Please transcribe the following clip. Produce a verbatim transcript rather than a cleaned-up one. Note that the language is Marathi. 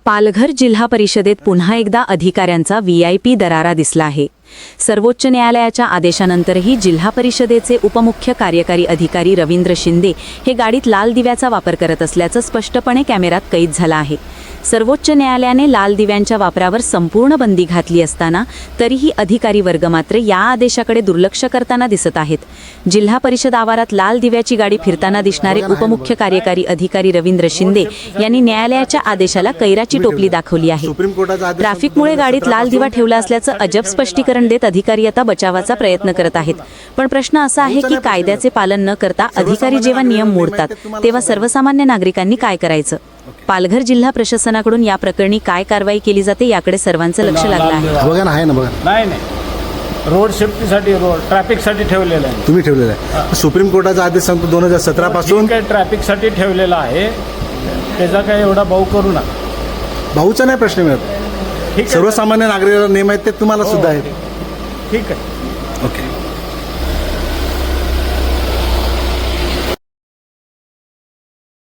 पालघर जिल्हा परिषदेत पुन्हा एकदा अधिकाऱ्यांचा व्ही आय पी दरारा दिसला आहे. सर्वोच्च न्यायालयाच्या आदेशानंतरही जिल्हा परिषदेचे उपमुख्य कार्यकारी अधिकारी रवींद्र शिंदे हे गाडीत लाल दिव्याचा वापर करत असल्याचं स्पष्टपणे कॅमेऱ्यात कैद झालं आहे. सर्वोच्च न्यायालयाने लाल दिव्यांच्या वापरावर संपूर्ण बंदी घातली असताना तरीही अधिकारी वर्ग मात्र या आदेशाकडे दुर्लक्ष करताना दिसत आहेत. जिल्हा परिषद आवारात लाल दिव्याची गाडी फिरताना दिसणारे उपमुख्य कार्यकारी अधिकारी रवींद्र शिंदे यांनी न्यायालयाच्या आदेशाला कैराची टोपली दाखवली आहे. ट्रॅफिकमुळे गाडीत लाल दिवा ठेवला असल्याचं अजब स्पष्टीकरण देत अधिकारी आता बचावाचा प्रयत्न करत आहेत. पण प्रश्न असा आहे की कायद्याचे पालन न करता अधिकारी जेव्हा नियम मोडतात तेव्हा सर्वसामान्य नागरिकांनी काय करायचं? पालघर जिल्हा प्रशासनाकडून या प्रकरणी काय कारवाई केली जाते याकडे सर्वांचं लक्ष लागलं आहे. बघा ना, आहे ना, बघा. नाही नाही रोड सेफ्टीसाठी रोड ट्रॅफिकसाठी ठेवलेलं आहे. तुम्ही ठेवलेलं आहे. सुप्रीम कोर्टाचा आदेश सांगतो दोन हजार सतरा पासून काय ट्रॅफिकसाठी ठेवलेला आहे. त्याचा काय एवढा भाऊ करू नका. भाऊचा नाही प्रश्न मिळत. ठीक आहे. सर्वसामान्य नागरिकाला नियम आहेत ते तुम्हाला सुद्धा आहेत. ठीक आहे. ओके.